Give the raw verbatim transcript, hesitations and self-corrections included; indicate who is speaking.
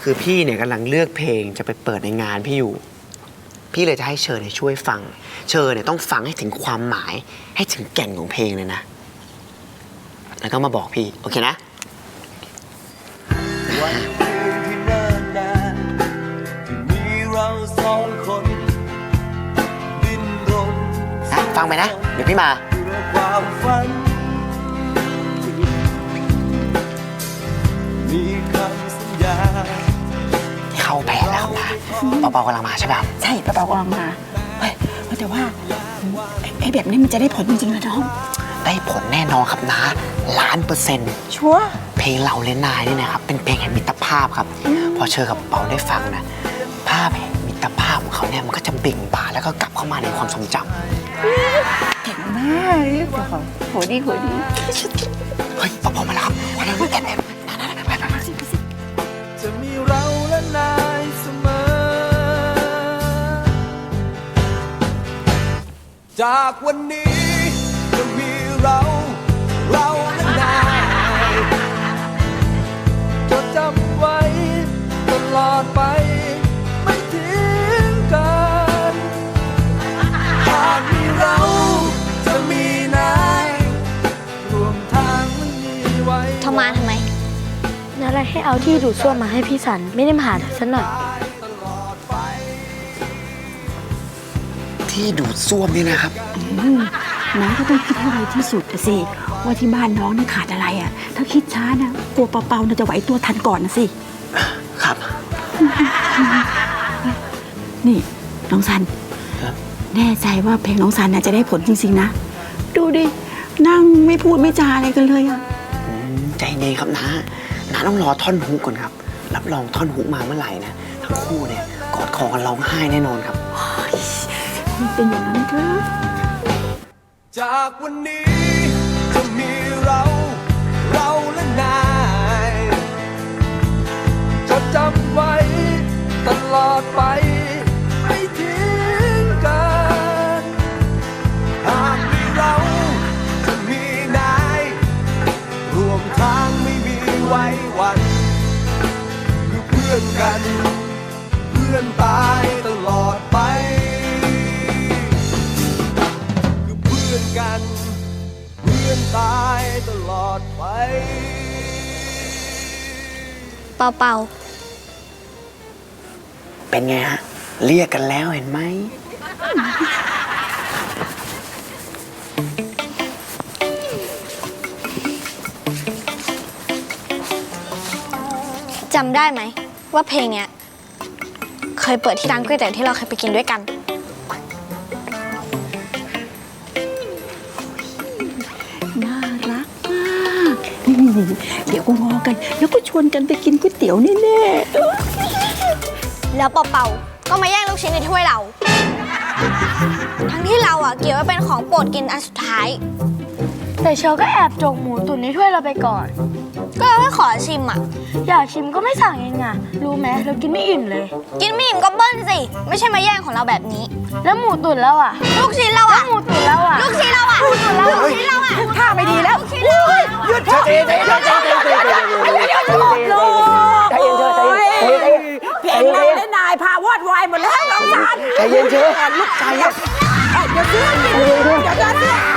Speaker 1: คือพี่เนี่ยกำลังเลือกเพลงจะไปเปิดในงานพี่อยู่พี่เลยจะให้เชอร์เนี่ยช่วยฟังเชอร์เนี่ยต้องฟังให้ถึงความหมายให้ถึงแก่นของเพลงเลยนะแล้วก็มาบอกพี่โอเคนะ
Speaker 2: วันคืนที่เนิ่นนานที่มีเราสองคนดิ้นรน
Speaker 1: ฟังไปนะเดี๋ยวพี่มา
Speaker 2: เพื่อความฝันมีคำสัญญา
Speaker 1: เข้าแผนแล้วนะเปาๆกำลังมาใช่ป่ะ
Speaker 3: ใช่เปาๆกำลังมาเฮ้ยแต่ว่าไอ้แบบนี้มันจะได้ผลจริงๆนะน้อง
Speaker 1: ได้ผลแน่นอนครับนะล้านเปอร์เซ็นต์
Speaker 3: ชัวร์
Speaker 1: เพลงเราเล่นนายนี่นะครับเป็นเพลงแห่งมิตรภาพครับพอเชอกับเปาได้ฟังนะภาพแห่งมิตรภาพของเขาเนี่ยมันก็จะเบ่งบานแล้วก็กลับเข้ามาในความทรงจ
Speaker 3: ำเก่งมากโหดีโหดี
Speaker 1: เฮ้ยเปาๆมาแล้วครับวันนั้นแอบแอบไปไปสิไปสิ
Speaker 2: จะมีเราและนายเสมอจากวันนี้จะมีเราเราและนายจดจำไว้ตลอดไปไม่ทิ้งกันหากมีเราจะมีนายรวมทางไม่มีไว้
Speaker 4: ทำมาทำไมนั่นอะไรให้เอาที่ดูดซ่วมมาให้พี่สันไม่ได้มาหาเธอสักหน่อย
Speaker 1: ที่ดูดซ่วมนี่นะครับ
Speaker 3: น้องก็ต้องคิดให้ไวที่สุดสิว่าที่บ้านน้องนี่ขาดอะไรอ่ะถ้าคิดช้านะกลัวเปาๆน่าจะไหวตัวทันก่อนนะสิ
Speaker 1: ครับ
Speaker 3: นี่น้องซันแน่ใจว่าเพลงน้องซันน่ะจะได้ผลจริงๆนะดูดินั่งไม่พูดไม่จาอะไรกันเลยอ่ะ
Speaker 1: ใจเย็นครับนะนะต้องรอท่อนฮุกก่อนครับรับรองท่อนฮุกมาเมื่อไหร่นะทั้งคู่เนี่ยกอดคอกันร้องไห้แน่นอนครับ
Speaker 3: มันเป็นอย่างนั้นครับ
Speaker 2: จากวันนี้จะมีเราเราและนายจดจำไว้ตลอดไปไม่ทิ้งกันหากมีเราจะมีนายรวมทางไม่มีไว้วันคือเพื่อนกันเพื่อนตายตลอดไปกันเพื่อนตายตลอดไป
Speaker 4: เปาเปา
Speaker 1: เป็นไงฮะเรียกกันแล้วเห็นไหม
Speaker 4: จำได้ไหมว่าเพลงเนี้ยเคยเปิดที่ร้านก๋วยเตี๋ยวที่เราเคยไปกินด้วยกัน
Speaker 3: เดี๋ยวก็งอกันแล้วก็ชวนกันไปกินก๋วยเตี๋ยวแน่ๆ
Speaker 4: แล้วเปาๆก็มาแย่งลูกชิ้นในถ้วยเราทั้งที่เราอ่ะเกี่ยวว่าเป็นของโปรดกินอันสุดท้ายแต่เชอก็แอบจกหมูตุ๋นในถ้วยเราไปก่อนก็เราให้ขอชิมอ่ะอยากชิมก็ไม่สั่งเองอ่ะรู้ไหมเรากินไม่อิ่มเลยกินไม่อิ่มก็เบิ้ลสิไม่ใช่มาแย่งของเราแบบนี้แล้วหมูตุ๋นเราอ่ะลูกชิ้นเราอ่ะหมูตุ๋นเราอ่ะลูกชิ้นเราอ่ะหมูตุ๋นเราลูกชิ้นเราอ่ะ
Speaker 3: ท่าไม่ดีแล้ว
Speaker 1: หยุดใจเย็นใจเย็นใจเย็นใจเย็นใจเย็นใจเย็นใจเย็นใจเย็น
Speaker 3: เพลงเราและนายพาวอดวายหมดแล้วน้องซัน
Speaker 1: ใจเย็นเชอ
Speaker 3: ลูกชายเดี๋ยวเชื่อเดี๋ยวเชื่อ